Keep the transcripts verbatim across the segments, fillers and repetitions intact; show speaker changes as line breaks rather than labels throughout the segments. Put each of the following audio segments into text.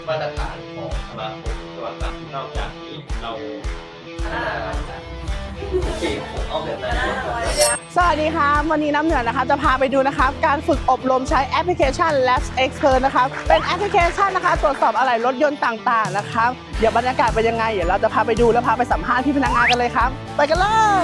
มาตรฐานของสมาคมโทรศัพท์นอกจากที่เราโอเคผมเอาแบบนั้น
สวัสดีค่ะวันนี้น้ำเหนือนะคะจะพาไปดูนะครับการฝึกอบรมใช้แอปพลิเคชัน Labs Expert นะครับเป็นแอปพลิเคชันนะคะตรวจสอบอะไหล่รถยนต์ต่างๆนะครับเดี๋ยวบรรยากาศเป็นยังไงเดี๋ยวเราจะพาไปดูแล้วพาไปสัมภาษณ์ที่พนักงานกันเลยครับไปกันเลย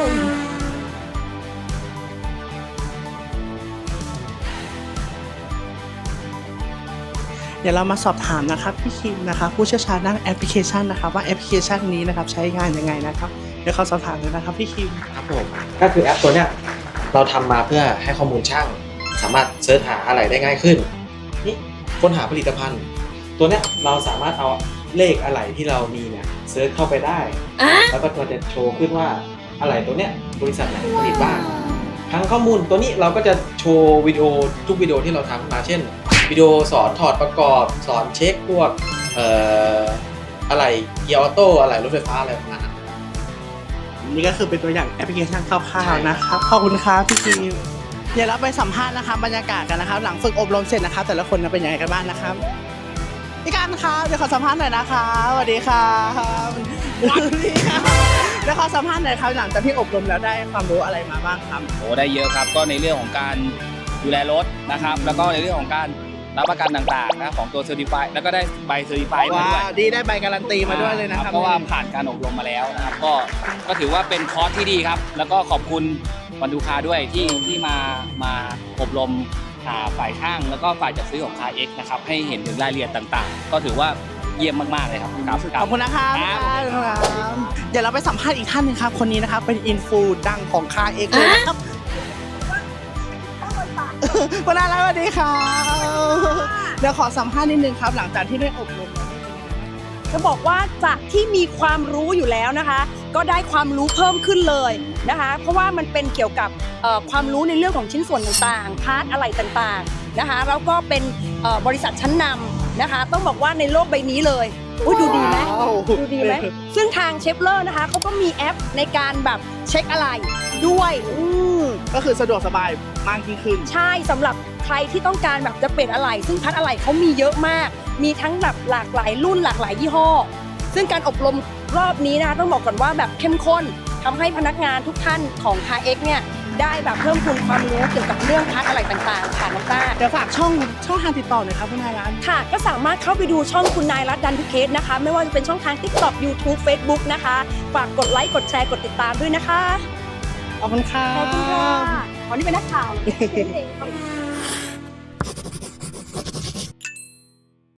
เดี๋ยวเรามาสอบถามนะครับพี่คิมนะครับผู้เชี่ยวชาญด้านแอปพลิเคชันนะครับว่าแอปพลิเคชันนี้นะครับใช้งานยังไงนะครับเดี๋ยวเขาสอบถามเลยนะครับพี่คิม
ครับผมก็คือแอปตัวเนี้ยเราทำมาเพื่อให้ข้อมูลช่างสามารถเสิร์ชหาอะไรได้ง่ายขึ้นนี่ค้นหาผลิตภัณฑ์ ตัวเนี้ยเราสามารถเอาเลขอะไรที่เรามีเนี่ยเสิร์ชเข้าไปได้แล้วก็ตัวจะโชว์ขึ้นว่าอะไรตัวเนี้ยบริษัทไหนผลิตบ้างทั้งข้อมูลตัวนี้เราก็จะโชว์วิดีโอทุกวิดีโอที่เราทำมาเช่นวิดีโอสอนถอดประกอบสอนเช็คพวกเอ่ออะไรเกียร์ออโต้อะไรรถไฟฟ้าอะไรประมาณนั้น
นี่ก็คือเป็นตัวอย่างแอปพลิเคชันคร่าวๆนะครับขอบคุณครับพี่คิมเดี๋ยวเราไปสัมภาษณ์นะครับบรรยากาศกันนะครับหลังฝึกอบรมเสร็จนะครับแต่ละคนเป็นยังไงกันบ้างนะครับพี่การครับเดี๋ยวขอสัมภาษณ์หน่อยนะครับสวัสดีครับนี่ครับเดี๋ยวขอสัมภาษณ์หน่อยครับหลังจากที่อบรมแล้วได้ความรู้อะไรมาบ้างครับ
โอ้ได้เยอะครับก็ในเรื่องของการดูแลรถนะครับแล้วก็ในเรื่องของการรับประกันต่างๆนะของตัวเซอร์ติฟายแล้วก็ได้ใบเซอร์ติฟายมา
ว้า
ด้วย
วดีได้ใบการันตีมาด้วยเลยนะครับ
เพราะว่าผ่านการอบรมมาแล้วนะครับก็ก็ถือว่าเป็นคอร์สที่ดีครับแล้วก็ขอบคุณวันดูคาด้วยที่ที่มามาอบรมอ่าฝ่ายช่างแล้วก็ฝ่ายจัดซื้อของ คาร์ เอ็กซ์ นะครับให้เห็นถึงรายละเอียดต่างๆ ก็ถือว่าเยี่ยมมากๆเลยครับครับ
ขอบคุณนะครับ
ครับ
เดี๋ยวเราไปสัมภาษณ์อีกท่านหนึงครับคนนี้นะครับเป็นอินฟูดังของคาเอ็กเลยนะครับคุณอารัตน์สวัสดีครับเดี๋ยวขอสัมภาษณ์นิดนึงครับหลังจากที่ได้อบรม
จะบอกว่าจากที่มีความรู้อยู่แล้วนะคะ ก็ได้ความรู้เพิ่มขึ้นเลยนะคะ เพราะว่ามันเป็นเกี่ยวกับเอ่อความรู้ในเรื่องของชิ้นส่วนต่างๆพาร์ทอะไรต่างๆนะคะแล้วก็เป็นเอ่อบริษัทชั้นนำนะคะ ต้องบอกว่าในโลกใบนี้เลยอุ๊ยดูดีไหม
ว้าว
ดูดีไหมซึ่งทางเชฟเลอร์นะคะเขาก็มีแอปในการแบบเช็คอะไรด้วยอืม
ก็คือสะดวกสบายมากยิ่งขึ้น
ใช่สำหรับใครที่ต้องการแบบจะเปลี่ยนอะไหล่ซึ่งพัดอะไหล่เขามีเยอะมาก มีทั้งแบบหลากหลายรุ่นหลากหลายยี่ห้อ ซึ่งการอบรมรอบนี้นะคะต้องบอกก่อนว่าแบบเข้มข้นทำให้พนักงานทุกท่านของ คาร์ เอ็กซ์ เนี่ยได้แบบเพิ่มพูนความรู้เกี่ยวกับเรื่องพัดอะไหล่ต่างๆค่ะน้องต้า
เดี๋ยวฝากช่องช่องทางติดต่อหน่อยครับคุณอารัตน์
ค่ะก็สามารถเข้าไปดูช่องคุณนายรัตน์ดันทุกเคสนะคะ ไม่ว่าจะเป็นช่องทาง ติ๊กต็อก ยูทูบ เฟซบุ๊ก นะคะฝากกดไลค์กดแชร์กดติดตามด้วยนะคะ
ขอบคุณครับ
ขอบคุณค่ะวันนี้เป็นนักข่าว